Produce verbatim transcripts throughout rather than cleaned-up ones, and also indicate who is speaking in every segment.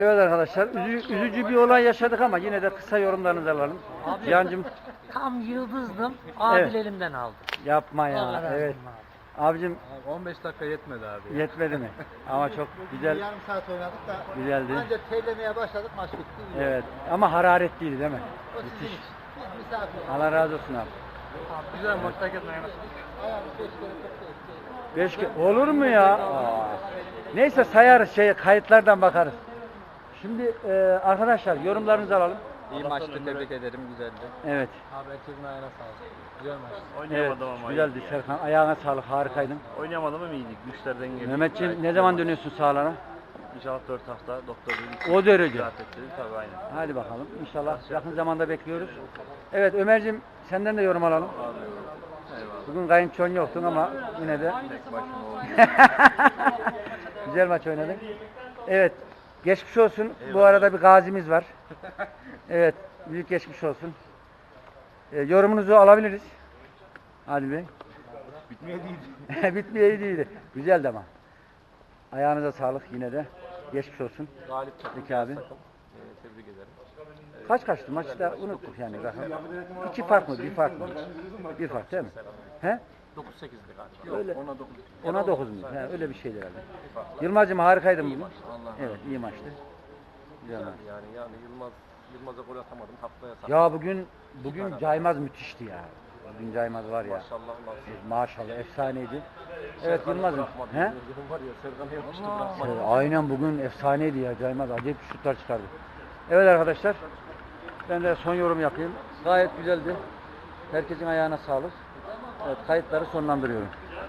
Speaker 1: Evet arkadaşlar, üzü- üzücü bir olay yaşadık ama yine de kısa yorumlarınızı alalım.
Speaker 2: Abi,
Speaker 1: Cihan'cığım
Speaker 2: tam yıldızdım. Adil
Speaker 1: Evet.
Speaker 2: elimden aldı.
Speaker 1: yapma
Speaker 2: Allah
Speaker 1: ya.
Speaker 2: razı
Speaker 1: Evet.
Speaker 2: olsun abi.
Speaker 1: Abicim
Speaker 3: Abi on beş dakika yetmedi abi.
Speaker 1: yetmedi mi? Ama çok güzel,
Speaker 4: Yarım saat oynadık da
Speaker 1: güzeldi.
Speaker 4: ancak terlemeye başladık, maç bitti.
Speaker 1: Evet. Ama hararetliydi değil mi?
Speaker 4: O sizin
Speaker 1: Müthiş.
Speaker 4: için. Biz misafir.
Speaker 1: Allah razı olsun abi.
Speaker 3: Güzel maç herkes oynadı.
Speaker 4: Ayağımız beş kere topla etti.
Speaker 1: Beş ke- olur mu ya? Aa. Neyse sayarız, şey kayıtlardan bakarız. Şimdi e, arkadaşlar yorumlarınızı alalım.
Speaker 3: İyi maçtı, tebrik ederim, güzeldi.
Speaker 1: Evet.
Speaker 3: Abi herkesin ayağına sağlık. Güzel maç.
Speaker 1: Evet.
Speaker 5: Oynayamadım ama
Speaker 1: Güzeldi
Speaker 5: iyiydi
Speaker 1: Serkan. Ayağına sağlık. Harikaydın.
Speaker 5: ya. Oynayamadım ama iyiydik. Güçlerden geldik.
Speaker 1: Mehmetciğim
Speaker 5: Gayet
Speaker 1: ne
Speaker 5: güzel
Speaker 1: zaman
Speaker 5: maç.
Speaker 1: dönüyorsun sahalara?
Speaker 5: İnşallah dört hafta doktor dedi.
Speaker 1: O derece.
Speaker 5: Rahat ettirdi tabii aynen.
Speaker 1: Hadi bakalım. İnşallah yakın zamanda bekliyoruz. Evet Ömerciğim senden de yorum alalım.
Speaker 5: Eyvallah.
Speaker 1: Bugün kayınçon yoktun ama yine de
Speaker 5: Tek başıma oldu.
Speaker 1: güzel maç oynadın. Evet. Geçmiş olsun. Bu arada bir gazimiz var. Evet. Büyük geçmiş olsun. E, yorumunuzu alabiliriz. Adil Bey.
Speaker 5: Bitmeye değildi.
Speaker 1: Bitmeye değildi. Güzeldi ama. Ayağınıza sağlık yine de. Geçmiş olsun.
Speaker 3: Galip takım.
Speaker 1: Peki abi.
Speaker 3: Ee, tebrik ederim.
Speaker 1: Kaç kaçtı maçta unuttuk yani. Rakam. İki fark mı? Bir fark mı? Bir fark değil mi? He?
Speaker 3: dokuz sekizdi galiba.
Speaker 1: Öyle.
Speaker 3: ona dokuz.
Speaker 1: Ona dokuz mu? He, öyle bir şeydi herhalde. Yılmaz'cığım harikaydın bugün.
Speaker 3: Allah
Speaker 1: Evet iyi maçtı. Güzel maç.
Speaker 3: yani yani Yılmaz Yılmaz'a gol atamadım. Haftaya sağ.
Speaker 1: Ya bugün bugün Caymaz müthişti ya. Bugün Caymaz var ya.
Speaker 3: Maşallah nasıl.
Speaker 1: Maşallah efsaneydi. Evet Yılmaz'ım. He?
Speaker 3: He? Var ya Serkan'ı yapıştı bırakmadı.
Speaker 1: Evet, aynen bugün efsaneydi ya Caymaz. Acayip şutlar çıkardı. Evet arkadaşlar. Ben de son yorum yapayım. Gayet güzeldi. Herkesin ayağına sağlık. Evet kayıtları sonlandırıyorum.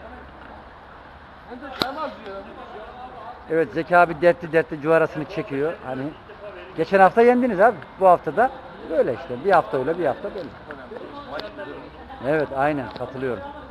Speaker 1: Evet Zeki abi dertli dertli cuvarasını çekiyor. Hani geçen hafta yendiniz abi. Bu hafta da böyle işte. Bir hafta öyle bir hafta böyle. Evet aynen katılıyorum.